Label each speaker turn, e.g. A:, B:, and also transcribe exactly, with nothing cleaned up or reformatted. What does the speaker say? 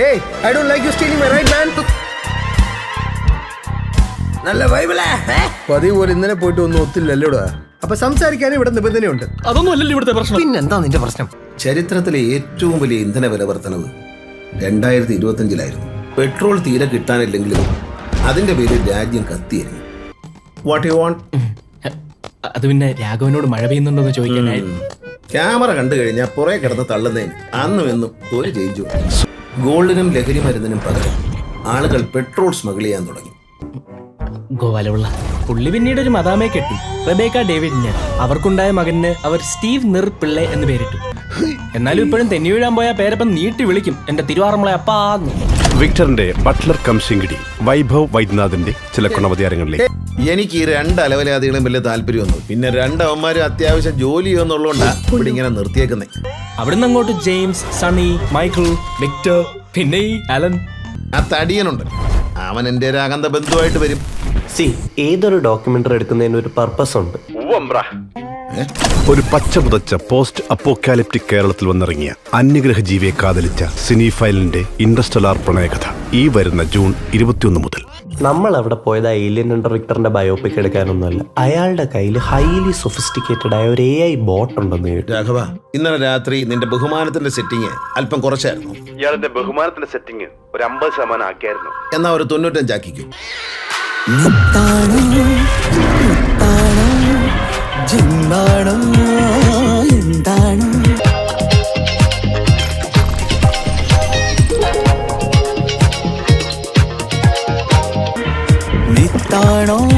A: Hey, I don't like you stealing my right, man. നല്ല വൈബിളേ പതിവ് പോലെ ഇന്നലെ പോയിട്ട് ഒന്നും ഒത്തില്ലല്ലോടാ. അപ്പൊ സംസാരിക്കാനും ഇവിടെ നിബന്ധനയുണ്ട്.
B: അതൊന്നും അല്ലല്ലോ ഇവിടുത്തെ പ്രശ്നം.
C: പിന്നെന്താ നിന്റെ പ്രശ്നം?
D: ചരിത്രത്തിലെ ഏറ്റവും വലിയ ഇന്ധന വില വർധനവ് രണ്ടായിരത്തി ഇരുപത്തി അഞ്ചിലായിരുന്നു. പെട്രോൾ തീരെ കിട്ടാനില്ലെങ്കിലും അതിന്റെ പേരിൽ രാജ്യം കത്തിയായിരുന്നു. What you want?
B: അത് പിന്നെ രാഘവനോട് മഴ പെയ്യുന്നുണ്ടോന്ന് ചോദിക്കാനായിരുന്നു.
D: ക്യാമറ കണ്ടു കഴിഞ്ഞാൽ പുറകെ കിടന്ന് തള്ളുന്നതിന് അന്നും എന്നും ഒരു ചേഞ്ചു. ഗോൾഡിനും ലഹരി മരുന്നിനും പകരം ആളുകൾ പെട്രോൾ സ്മഗിൾ ചെയ്യാൻ തുടങ്ങി.
B: ഗോവാലുള്ള പുള്ളി പിന്നീട് ഒരു മദാമയെ കെട്ടി, റബേക്ക ഡേവിഡിന്. അവർക്കുണ്ടായ മകന് അവർ സ്റ്റീവ് നിർ പിള്ളെ എന്ന് പേരിട്ടു. എന്നാലും ഇപ്പോഴും തെന്നി വീഴാൻ പോയ പേരപ്പം നീട്ടി വിളിക്കും, എന്റെ തിരുവാറമ്മളെ അപ്പാന്ന്.
E: വിക്ടറിന്റെ ബട്ട്ലർ കം ശിങ്കിടി വൈഭവ് വൈദ്യനാഥിന്റെ ചില ഗുണവതാരങ്ങളിലേക്ക്.
D: എനിക്ക് ഈ രണ്ട് അലവലാദികളും വലിയ താല്പര്യമൊന്നും, പിന്നെ രണ്ടവന്മാരും അത്യാവശ്യം ജോലി ചെയ്യുന്നുള്ളതുകൊണ്ടാ ഇവിടെ ഇങ്ങനെ നിർത്തിയേക്കുന്നേ.
B: അവിടുന്ന് അങ്ങോട്ട് ജെയിംസ്, സണ്ണി, മൈക്കിൾ, വിക്ടർ, പിന്നെ ഈ അലൻ.
D: ആ തടിയനുണ്ട്, അവൻ എന്റെ ഒരു അകന്ത ബന്ധുവായിട്ട് വരും.
F: സി ഏതൊരു ഡോക്യുമെന്ററി എടുക്കുന്നതിന് ഒരു പർപ്പസ് ഉണ്ട്.
E: ഒരു പച്ച പുതച്ച പോസ്റ്റ് അപ്പോക്കാലിപ്റ്റിക് കേരളത്തിൽ വന്നിറങ്ങിയ അന്യഗ്രഹ ജീവിയെ കാതലിച്ച സിനിഫൈലിന്റെ ഇൻഡസ്റ്റലാർ പ്രണയകഥ ഈ വരുന്ന ജൂൺ ഇരുപത്തിയൊന്ന് മുതൽ.
F: നമ്മൾ അവിടെ പോയത് ഏലിയൻ അണ്ടർ വിക്ടറിന്റെ ബയോപിക് എടുക്കാനൊന്നുമല്ല. അയാളുടെ കയ്യിൽ ഹൈലി സൊഫിസ്റ്റിക്കേറ്റഡ് ആയ ഒരു എ ഐ ബോട്ട് ഉണ്ടെന്ന് കേട്ടു.
D: രാഘവ, ഇന്നലെ രാത്രി നിന്റെ ബഹുമാനത്തിന്റെ സെറ്റിങ് അല്പം കുറച്ചായിരുന്നു.
E: ഇയാളുടെ ബഹുമാനത്തിന്റെ സെറ്റിംഗ് ഒരു അമ്പത് ശതമാനം ആക്കിയായിരുന്നു.
D: എന്നാ ഒരു തൊണ്ണൂറ്റഞ്ചാക്കിക്കും.
C: നിത്താണോ